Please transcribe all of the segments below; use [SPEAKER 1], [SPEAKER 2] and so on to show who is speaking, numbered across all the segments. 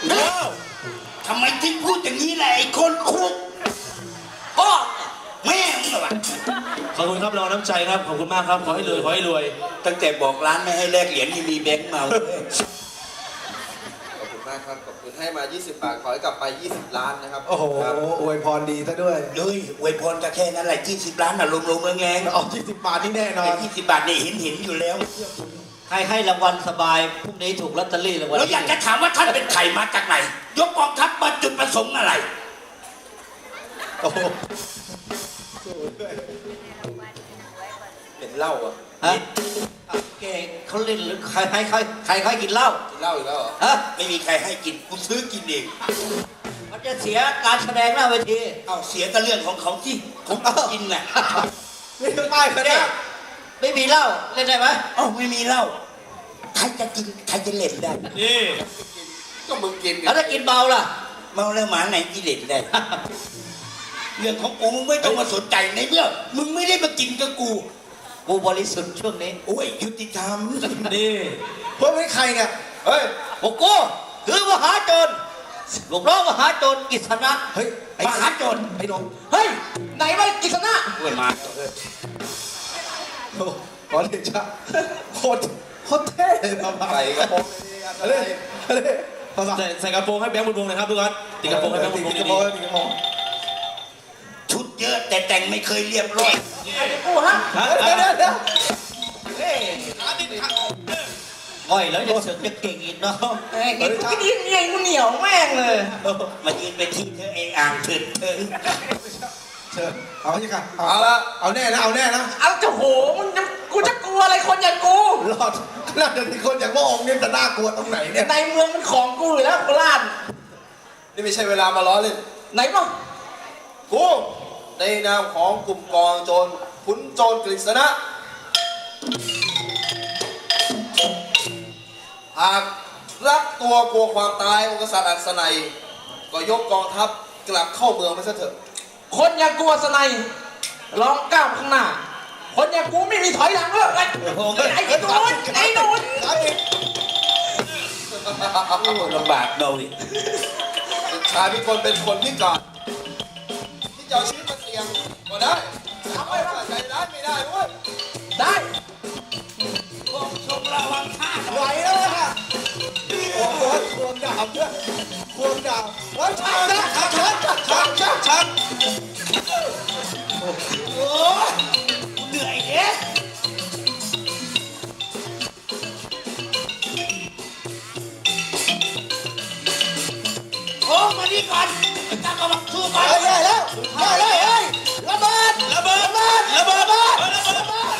[SPEAKER 1] ทำไมถึงพูดอย่างนี้แหละไอ้คนคุกพ่อแม่มึงเหรอวะ
[SPEAKER 2] ขอบคุณครับรองน้ำใจครับขอบคุณมากครับขอให้รวยขอให้รวย
[SPEAKER 1] ตั้งแต่บอกร้านไม่ให้แลกเหรียญนี่มีแบงค์มาเลย
[SPEAKER 3] ขอบคุณมากครับขอบคุณให้มา20 บาทขอให้กลับไป20 ล้านนะครับ
[SPEAKER 4] โอ้โหอวยพรดีซะด้วย
[SPEAKER 1] เลยอวยพรก็แค่นั้นแหละ20 ล้านน่ะลงๆแงง
[SPEAKER 4] เอา20 บาทนี่แน่นอน
[SPEAKER 1] 20 บาทนี่เห็นอยู่แล้ว
[SPEAKER 5] ให้รางวัลสบายพรุ่งนี้ถูกลอตเตอรี่รางวัล
[SPEAKER 1] แล้วอยากจะถามว่าท่านเป็นใครมาจากไหนยกกองทัพมาจุดประสงค์อะไร
[SPEAKER 4] โอ้โห
[SPEAKER 3] เป็นเหล้าอ่ะ
[SPEAKER 5] ฮะเก๋เขาเล่นหรือใครให้กินเหล้า
[SPEAKER 3] กินเหล้าอีกแล้วเหรอ
[SPEAKER 5] ฮะ
[SPEAKER 1] ไม่มีใครให้กินกูซื้อกินเอง
[SPEAKER 5] มันจะเสียการแสดงหน้าเวที
[SPEAKER 1] เอาเสียก็เรื่องของเขาที่ผมกินน่ะ
[SPEAKER 4] นี่คือป้ายคะแนน
[SPEAKER 5] ไม่มีเหล้าเล่นได้ไหม
[SPEAKER 1] เอ้าไม่มีเหล้าใครจะกินใครจะเล่นได้
[SPEAKER 2] นี่
[SPEAKER 3] ก็มึงกิน
[SPEAKER 5] แล้วถ้ากินเมาล่ะ
[SPEAKER 1] เมาแล้วหมาไหนกินเล่นได้ เรื่องของกูมึงไม่ต้องมาสนใจในเมื่อมึงไม่ได้มากินกับกู
[SPEAKER 5] กูบริสุทธิ์ช่วงนี้
[SPEAKER 1] โอ้ยยุติธรรม
[SPEAKER 2] นี่
[SPEAKER 4] เพื่อนเป็นใครเนี่ย
[SPEAKER 3] เฮ้ย
[SPEAKER 5] พวกกูคือมหาโจรลูกน้องมหาโจรกิษณะ
[SPEAKER 4] เฮ้ยไอ้
[SPEAKER 1] มหาโจร
[SPEAKER 4] ไอ้นง
[SPEAKER 5] เฮ้ยไหนว่ากิษณะ
[SPEAKER 1] โอ้ยมา
[SPEAKER 4] โอ้ขอเดชะโคตรเท่เลยมาบ้า
[SPEAKER 3] ใส่กระโปรง
[SPEAKER 4] อะไรอะไรภาษา
[SPEAKER 2] ใส่กระโปรงให้แบงค์บุญวงศ์หนะครับทุกคนติดกระโปรงให้แบงค์บุญวงศ์
[SPEAKER 4] ติดกระ
[SPEAKER 2] ดี
[SPEAKER 4] โปรงติดกระโปรง
[SPEAKER 1] ชุดเยอะแต่แต่งไม่เคยเรียบร้อย
[SPEAKER 5] กูฮะ
[SPEAKER 2] ๆฮะ
[SPEAKER 4] เดี๋ยว
[SPEAKER 5] ง่อยแล้วจะเสือกจะเก่งอีกเนาะ
[SPEAKER 4] กูกิน
[SPEAKER 5] กูเหนียวแม่งเลย
[SPEAKER 1] มายืนไปที่เธอเองอ่างเถิดเถิง
[SPEAKER 4] เชิญเอาสิค่ะ
[SPEAKER 3] เอาละ
[SPEAKER 4] เอาแน่นะเอาแน่นะ
[SPEAKER 5] เอาจะโหกูจะกลัวอะไรคนอย่างกู
[SPEAKER 4] รอดน่าจะมีคนอย่างพระองค์เนี่ยจะน่ากลัวตรงไหนเนี่ย
[SPEAKER 5] ในเมืองมันของกูอยู่แล้วโคราช
[SPEAKER 3] นี่ไม่ใช่เวลามาล้อเล่น
[SPEAKER 5] ไหนบ้าง
[SPEAKER 3] กูในนามของกลุ่มกองโจรขุนโจรกฤษณะหากรักตัวกลัวความตายองค์กษัตริย์อัศนัยก็ยกกองทัพกลับเข้าเมืองไปซะเถอะ
[SPEAKER 5] คนอย่างกูสนัยลองก้าวข้างหน้า คนอย่างกูไม่มีถอยหลังเลยไอ้หนูนไอ้หนูน
[SPEAKER 1] ลำบากเราดิ
[SPEAKER 3] ชายพิกลเป็นคนพิการที่จะเอาชีวิตมาเสี่ยงก็ได้ทำไม่ได้ใจร้ายไม่ได้เว้ย
[SPEAKER 5] ได้
[SPEAKER 1] พวกชมระวังท่า
[SPEAKER 4] ไหวแล้วค่ะโอ้โหควงดาบด้วยควงดาบไว้ชักนะชัก
[SPEAKER 1] โอ้ยเหนื่อยเด้โอ้มานี่ก่อนตั้งกำลังสู้ก่อน
[SPEAKER 4] ได้แล้วได้เลยเฮ้ยระเบิด
[SPEAKER 1] ระเบิดระเบิดระเบิดระเบิด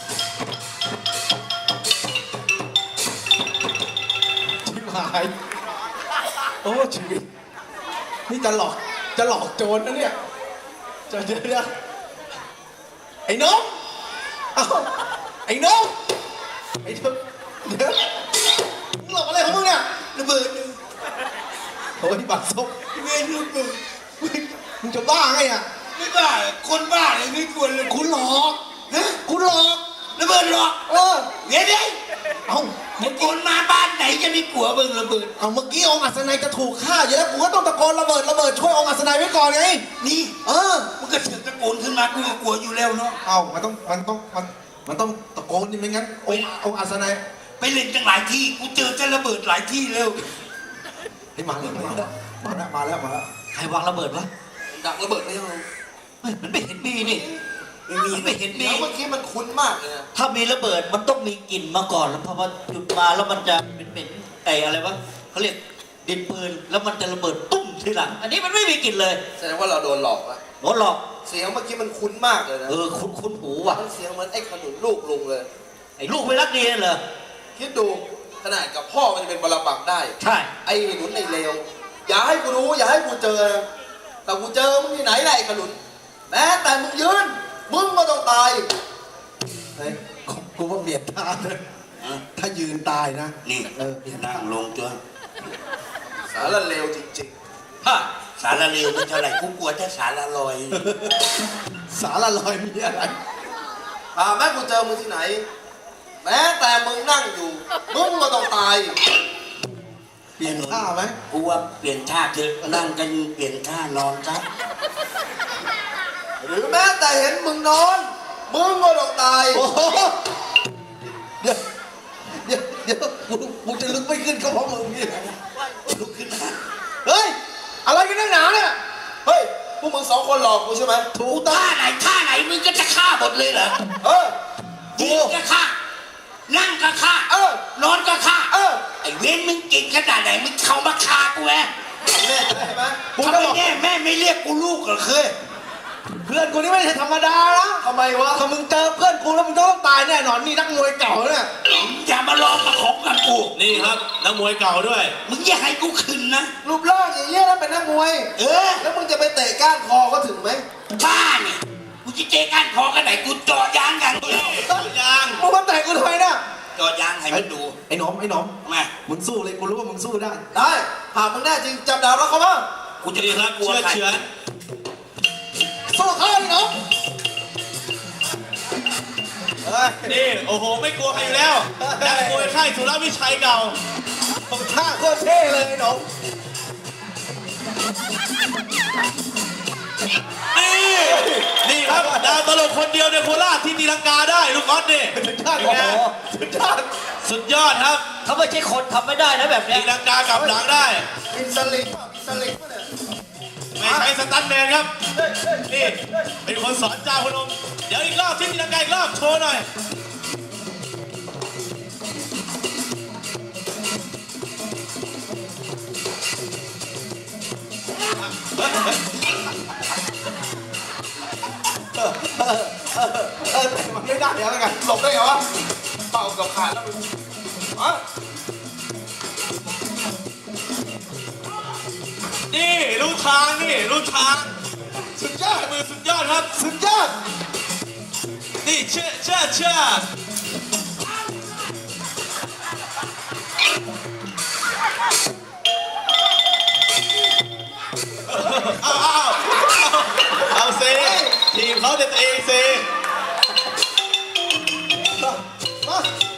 [SPEAKER 4] ชิบหายโอ้ชีวิตนี่จะหลอกโจรนะเนี่ยเดี๋ยวไอ้น้องเอ้าไอ้น้องไอ้เดี๋ยวมึงหลอกอะไรของมึงเนี่ย
[SPEAKER 1] ระเบิด
[SPEAKER 4] โอ้ยบัตรซบ
[SPEAKER 1] เวยนระเบิด
[SPEAKER 4] มึงจะบ้าไงอ่ะ
[SPEAKER 1] ไม่บ้าคนบ้าเลยไม่ควรเลย
[SPEAKER 4] คุณหลอก
[SPEAKER 1] ฮะ
[SPEAKER 4] คุณหลอก
[SPEAKER 1] ระเบิดหรอก
[SPEAKER 4] เออ
[SPEAKER 1] เดี๋ยวดิ
[SPEAKER 4] เอ้า
[SPEAKER 1] มึงคนมาบ้านไหนจะไม่กลัวเบิ่งระเบิด
[SPEAKER 4] เอาเมื่อกี้องค์อัศนัยจะถูกฆ่าอยู่แล้วกูก็ต้องตะโกนระเบิดช่วยองค์อัศนัยไว้ก่อนไง
[SPEAKER 1] นี่
[SPEAKER 4] เออ
[SPEAKER 1] มึงก็เสือกตะโกนขึ้นมากูก็กลัวอยู่แล้วเนาะ
[SPEAKER 4] เอามันต้องตะโกนดิไม่งั้นองค์อัศนัย
[SPEAKER 1] ไปเล่นจังหลายที่กูเจอจะระเบิดหลายที่แล้ว
[SPEAKER 4] เฮ้ยมาแล้ว
[SPEAKER 5] ใครวางระเบิดวะ
[SPEAKER 3] ดักระเบิดไม่ยัง
[SPEAKER 5] เฮ้ยมันไม่เห็นมีนี่ ไม่เห็นมี
[SPEAKER 3] เดี๋ยวเมื่อกี้มันคุ้นมากเลยนะ
[SPEAKER 5] ถ้ามีระเบิดมันต้องมีกลิ่นมาก่อนแล้วพอมาจุดมาแล้วมันจะเหม็นไอ้อะไรวะเขาเรียกดินปืนแล้วมันจะระเบิดตุ้มทีหลัง อันนี้มันไม่มีกลิ่นเลย
[SPEAKER 3] แสดงว่าเราโดนหลอกอะ
[SPEAKER 5] โดนหลอก
[SPEAKER 3] เสียงเมื่อกี้มันคุ้นมากเลยนะ
[SPEAKER 5] คุ้นหูว่ะ
[SPEAKER 3] มันเสียงเหมือนไอ้ขนุนลูกลุงเลย
[SPEAKER 5] ไอ้ลูกไม่รักดีนั่นเหรอ
[SPEAKER 3] คิดดูขนาดกับพ่อมันจะเป็นบรบักได้
[SPEAKER 5] ใช่
[SPEAKER 3] ไอ้หนุนไอ้เลวอย่าให้กูรู้อย่าให้กูเจอนะแต่กูเจอมึงที่ไหนแหละไอ้ขนุนแม้แต่มึงยืนมึงก็ต้องตาย
[SPEAKER 4] เฮ้ยกูว่าเบียดตาเลยถ้ายืนตายนะ
[SPEAKER 1] นี่
[SPEAKER 4] เบียด
[SPEAKER 1] นั่
[SPEAKER 4] ตาง
[SPEAKER 1] ลงจ้ะ
[SPEAKER 3] สารเลวจริง
[SPEAKER 1] ฮะสารเลวมันเท่าไหร่กูกลัวจะสารลอย
[SPEAKER 4] สารลอยมีอะไร
[SPEAKER 3] แม้กูเจอมึงที่ไหน แม้แต่มึงนั่งอยู่มึงก็ต้องตาย
[SPEAKER 4] เปลี่ยนท่าไหม
[SPEAKER 1] กูว่าเปลี่ยนท่าเถอะนั่งกันเปลี่ยนท่านอนซะ
[SPEAKER 3] หรือแม้แต่เห็นมึงนอนมึงก็ต้องตาย
[SPEAKER 4] โอ้โหเดี๋ยวเดี๋ยวกูจะลุกไม่ขึ้นก็เพราะมึงนี่แหละ
[SPEAKER 1] ลุกขึ้นมา
[SPEAKER 4] เฮ้ยอะไรกันนักหนาเนี่ย
[SPEAKER 3] เฮ้ยพวกมึงสองคนหลอกกูใช่ไหม
[SPEAKER 4] ถูก
[SPEAKER 1] ท่าไหนมึงก็จะฆ่าหมดเลยเหรอ
[SPEAKER 3] เออ
[SPEAKER 1] ยืนก็ฆ่านั่งก็ฆ่า นอนก็ฆ่าไอ้เว้นมึงเก่งขนาดไหนมึงเข้ามาฆ่ากูแหว
[SPEAKER 3] แน่ใช่ไหม
[SPEAKER 4] กู
[SPEAKER 1] ทำ
[SPEAKER 4] จะ
[SPEAKER 1] ไม
[SPEAKER 4] บอก
[SPEAKER 1] แม่ไม่เรียกกูลูกเหรอเคย
[SPEAKER 4] เพื่อนกูนี่ไม่ใช่ธรรมดานะ
[SPEAKER 3] ทำไมวะ
[SPEAKER 4] ถ้ามึงเจอเพื่อนกูแล้วมึงต้องตายแน่นอนนี่นักมวยเก่าเนี่ย
[SPEAKER 1] อย่ามาลองมาของกับกู
[SPEAKER 2] นี่ครับนักมวยเก่าด้วย
[SPEAKER 1] มึงอย่าให้กูขึ้นนะ
[SPEAKER 3] รูปร่างอย่างเงี้ยแล้วเป็นนักมวย
[SPEAKER 1] เออ
[SPEAKER 3] แล้วมึงจะไปเตะก้านคอก็ถึงไหม
[SPEAKER 1] บ้าเนี่ยกูจะเจ๊ก้านคอกันไหนกูเจาะยางอย่างเดียว
[SPEAKER 2] ยาง
[SPEAKER 4] มึงมาแตะกูทำไมเนี่ย
[SPEAKER 1] เจาะยางให้มันดู
[SPEAKER 4] ไอ้หนอม
[SPEAKER 1] มา
[SPEAKER 4] มึงสู้เลยกูรู้ว่ามึงสู้ได้
[SPEAKER 3] ได้หากมึงแน่จริงจับดาบแล้วเขาบ้าง
[SPEAKER 1] กูจะ
[SPEAKER 2] นี่ครับ
[SPEAKER 1] กลัว
[SPEAKER 2] เชื่อ
[SPEAKER 1] ใคร
[SPEAKER 2] เฉือน
[SPEAKER 4] สู้เขาไอ้หนอม
[SPEAKER 3] เฮ้ย
[SPEAKER 2] นี่โอ้โหไม่กลัวใครอยู่แล้วนักมวยค่ายสุรวิชัยเก่า
[SPEAKER 4] ผมท่าโคตรเท่เลยไอ้หนอม
[SPEAKER 2] นี่ครับดาวตลกคนเดียวในโคราชที่ตีลังกาได้ลูกออสนี่
[SPEAKER 4] ท่า
[SPEAKER 2] เป็น
[SPEAKER 4] โอ้
[SPEAKER 2] ไง
[SPEAKER 4] โหสุดยอด
[SPEAKER 2] สุดยอดครับ
[SPEAKER 5] เขาไม่ใช่คนทำไม่ได้นะแบบเนี้
[SPEAKER 2] ตี
[SPEAKER 5] ย
[SPEAKER 2] ลังกากลับหลังได้
[SPEAKER 3] อินสลิงป่ะอินสลิงป่ะเนี่ย
[SPEAKER 2] ไม่ใช้สตันแมนครับ นี่เป็นคนสอนเจ้าพนม เดี๋ยวอีกรอบที่ตีลังกาอีกรอบโชว์หน่อย
[SPEAKER 4] แต่มันไม่ได้แล้วกัน
[SPEAKER 3] หลบได้เหรอวะเป่ากับขาดแล้วมึงอ่ะ
[SPEAKER 2] นี่รู้ทางนี่รู้ทาง
[SPEAKER 4] สุดยอด
[SPEAKER 2] มือสุดยอดครับ
[SPEAKER 4] สุดยอด
[SPEAKER 2] นี่เชื่อเอาเซทีมเขาแต่ตัวเองเซ
[SPEAKER 4] มา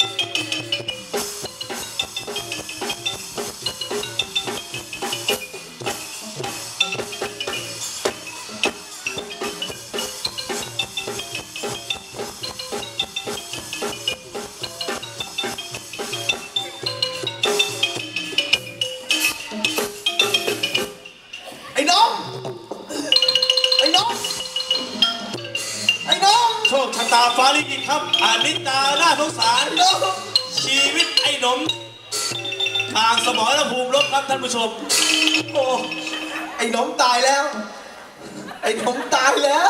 [SPEAKER 4] ไอ้น้อง ไอ้น้อง ไอ้น้อง
[SPEAKER 2] โชคชะตาฟ้าลิขิตครับอานิตาน่าสงสาร
[SPEAKER 4] น้อง
[SPEAKER 2] ชีวิตไอ้หนม ทางสมรภูมิรบครับท่านผู้ชม
[SPEAKER 4] โอ้ไอ้น้องตายแล้ว ไอ้น้องตายแล้ว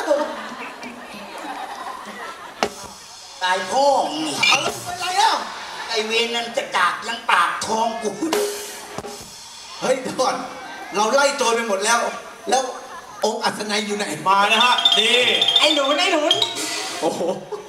[SPEAKER 1] ตายพ่อมึงนี่
[SPEAKER 4] เอาแล้วเป็นไรอ่ะ
[SPEAKER 1] ไอเวรนั่นจะกากยังปากทองกู
[SPEAKER 4] เฮ้ยเดี๋ยวก่อน เราไล่โจรไปหมดแล้ว แล้วองค์อัศนัยอยู่ไหน
[SPEAKER 2] มานะฮะ นี่
[SPEAKER 5] ไอ้หนูน
[SPEAKER 4] โอ้โห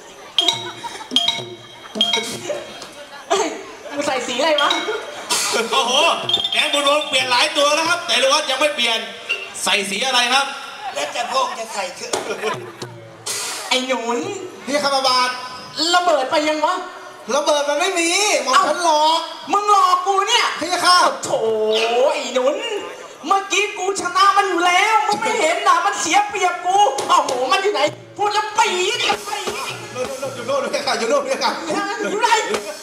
[SPEAKER 5] มึงใส่สีอะไรวะ
[SPEAKER 2] โอ้โห แกงบุญรวมเปลี่ยนหลายตัวแล้วครับ แต่ลูกออสยังไม่เปลี่ยน ใส่สีอะไรครับ
[SPEAKER 1] แล้วจะพ่อจะใส่คือ
[SPEAKER 5] ไอ้หนุน
[SPEAKER 4] พี่คำบาท
[SPEAKER 5] ระเบิดไปยังวะ
[SPEAKER 4] ระเบิดมันไม่มีหมอมฉันหลอก
[SPEAKER 5] มึงหลอกกูเนี่ย
[SPEAKER 4] พี่ข้า
[SPEAKER 5] โถไอ้หนุน เมื่อกี้กูชนะมันอยู่แล้ว มึงไม่เห็นนะมันเสียเปรียบกูโอ้โห มันอยู่ไหน พูดแล้วปี๊ดกับปี๊ด
[SPEAKER 4] อยู่โน่นพี่ข้าอยู่โน่นพี่ข้า
[SPEAKER 5] อยู่ไหน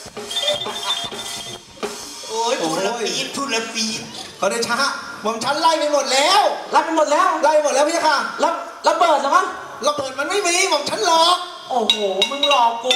[SPEAKER 1] โอ้ยทุละปีดทุละปีด
[SPEAKER 4] เขาได้ช้าหมอมฉันไล่ไปหมดแล้ว
[SPEAKER 5] รับไปหมดแล้ว
[SPEAKER 4] ไล่ไปหมดแล้วพี่ข้า
[SPEAKER 5] แล้วระเบิดเหรอวะ
[SPEAKER 4] ระเบิดมันไม่มีหมอมฉันหลอก
[SPEAKER 5] โอ้โห มึงหลอกกู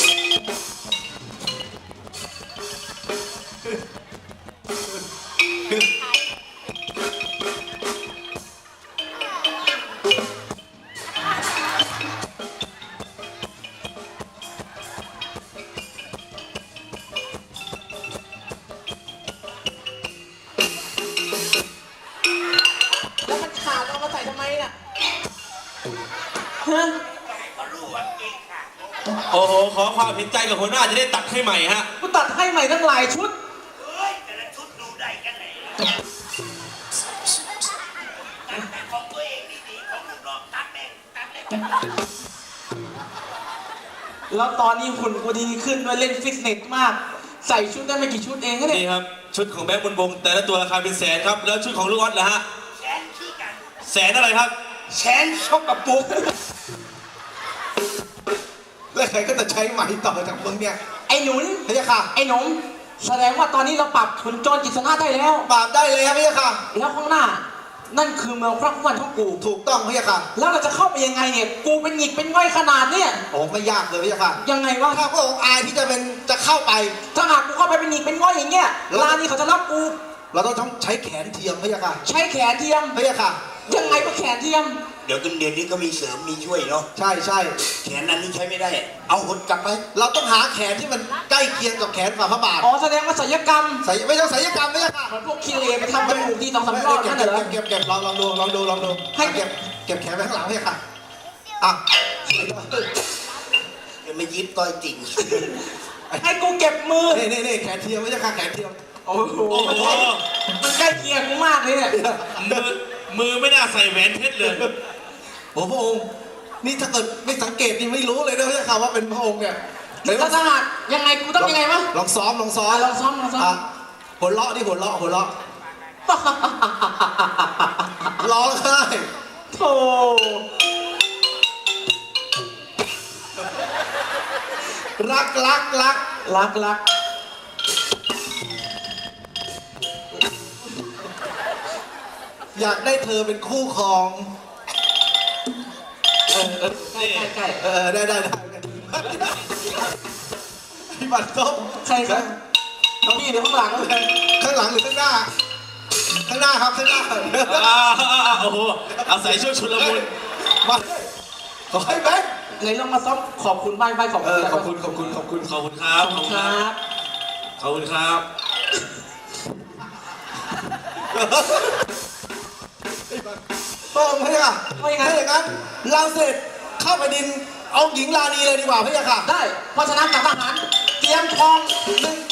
[SPEAKER 5] แล้วมันขาดเอามาใส่ทำไมน่ะฮะ
[SPEAKER 2] โอ้โห ขอความเห็นใจกับหัวหน้าจะได้ตัดให้ใหม่ฮะ
[SPEAKER 5] กูตัดให้ใหม่ตั้งหลายชุด
[SPEAKER 1] เฮ้ยแต่ละชุดดูได้กันไหนแต่ของตัวเองนี่ดีของลูกน้องตัดแม่งตัดเลย
[SPEAKER 5] แล้วตอนนี้หุ่นกูดีขึ้นด้วยเล่นฟิตเนสมาก
[SPEAKER 4] ใส่ชุดได้ไม่กี่ชุดเองนะเนี่ย
[SPEAKER 2] นี่ครับชุดของแบงค์บนวงแต่ละตัวราคาเป็นแสนครับแล้วชุดของลูกออสนะฮะ
[SPEAKER 1] แสนขี้กัน
[SPEAKER 2] แสนอะไรครับ
[SPEAKER 1] แสนชกกระปุก
[SPEAKER 4] แล้วใครก็จะใช้ไหมต่อจากมึงเนี่ย
[SPEAKER 6] ไอ้หนุน
[SPEAKER 4] พะยะค่ะ
[SPEAKER 6] ไอ้หนุ่มแสดงว่าตอนนี้เราปรับขุนโจรกิษณะได้แล้ว
[SPEAKER 4] ปราบได้เลยครับพะยะค่ะ
[SPEAKER 6] แล้วข้างหน้า นั่นคือเมืองพระผู้วันของกู
[SPEAKER 4] ถูกต้องพะยะค่ะ
[SPEAKER 6] แล้วเราจะเข้าไปยังไงเนี่ย กูเป็นหงิกเป็นง่อยขนาดเนี่ย
[SPEAKER 4] โอ้ไม่ยากเลยพะยะค่ะ
[SPEAKER 6] ยังไงวะ
[SPEAKER 4] ถ้าพระองค์อายที่จะเข้าไป
[SPEAKER 6] ถ้าหากกูเข้าไปเป็นหงิกเป็นง่อยอย่างเงี้ย
[SPEAKER 4] แล้ว
[SPEAKER 6] ร้านนี้เขาจะรับกู
[SPEAKER 4] เราต้องใช้แขนเทียมพะยะค่ะ
[SPEAKER 6] ใช้แขนเทียม
[SPEAKER 4] พะยะค่ะ
[SPEAKER 6] ยังไงก็แขนเทียม
[SPEAKER 1] เดี๋ยวกันเดือนนี้ก็มีเสริมมีช่วยเนาะ
[SPEAKER 4] ใช่ใช่
[SPEAKER 1] แขนนั้นนี่ใช้ไม่ได้ เอาหดกลับไป
[SPEAKER 4] เราต้องหาแขนที่มันใกล้เคียงกับแขนฝ่าพระบาท
[SPEAKER 6] อ๋อแสดงว่าศัลยกรรม
[SPEAKER 4] ไม่ต้องศัลยกรรมพะยะค่ะ
[SPEAKER 6] เหมือนพวกคีเลไปทำจมูกที่2-3รอบนั่นเหรอ
[SPEAKER 4] เก็บลองดู
[SPEAKER 6] ให้
[SPEAKER 4] เก็บแขนไปข้างหลังพะยะค่ะอ่ะ
[SPEAKER 1] จะไม่ยึดต้อยจริง
[SPEAKER 6] ให้กูเก็บมือ
[SPEAKER 4] นี่แขนเทียมพะยะค่ะแขนเทียม
[SPEAKER 6] โอ้โห
[SPEAKER 2] โอ้โห
[SPEAKER 6] มันใกล้เคียงกูมากเลยเนี่ย
[SPEAKER 2] มือไม่น่าใส่แหวนเพชรเลย
[SPEAKER 4] โอ้พระองค์นี่ถ้าเกิดไม่สังเกตนี่ไม่รู้เลยนะพะยะค่ะว่าเป็นพระองค์เนี่ยเดี๋ยว
[SPEAKER 6] ถ้าสหัสยังไงกูต้องยังไงวะ
[SPEAKER 4] ลองซ้อม
[SPEAKER 6] ลองซ้อม
[SPEAKER 4] อ่ะหัวเราะดิหัวเราะร้องไห้
[SPEAKER 6] โธ่
[SPEAKER 4] รัก
[SPEAKER 6] รัก
[SPEAKER 4] อยากได้เธอเป็นคู่ครอง
[SPEAKER 6] ใกล้
[SPEAKER 4] ได้พี่บัตรต้ม
[SPEAKER 6] ใครครับพี่หรือข้างหลัง
[SPEAKER 4] ข้างหลังหรือข้างหน้า ข้างหน้าครับข้างหน้า
[SPEAKER 2] โอ้โหอาศัยช่วงชุลมุน
[SPEAKER 4] มาขอให้แบงค์
[SPEAKER 6] เลยลองมาซ้อมขอบคุณใบขอบคุณ
[SPEAKER 4] ขอบคุณ
[SPEAKER 2] ขอบคุณครับ
[SPEAKER 6] ขอบคุณครับ
[SPEAKER 2] ขอบคุณครับ
[SPEAKER 4] ต้องพี่ค่ะถ้าอย่างนั้นเราเสร็จเข้าไปดินเอาหญิงลานีเลยดีกว่าพี่ค่ะ
[SPEAKER 6] ได้เพราะฉะนั้นกับทหารเตรียมทอง
[SPEAKER 4] 1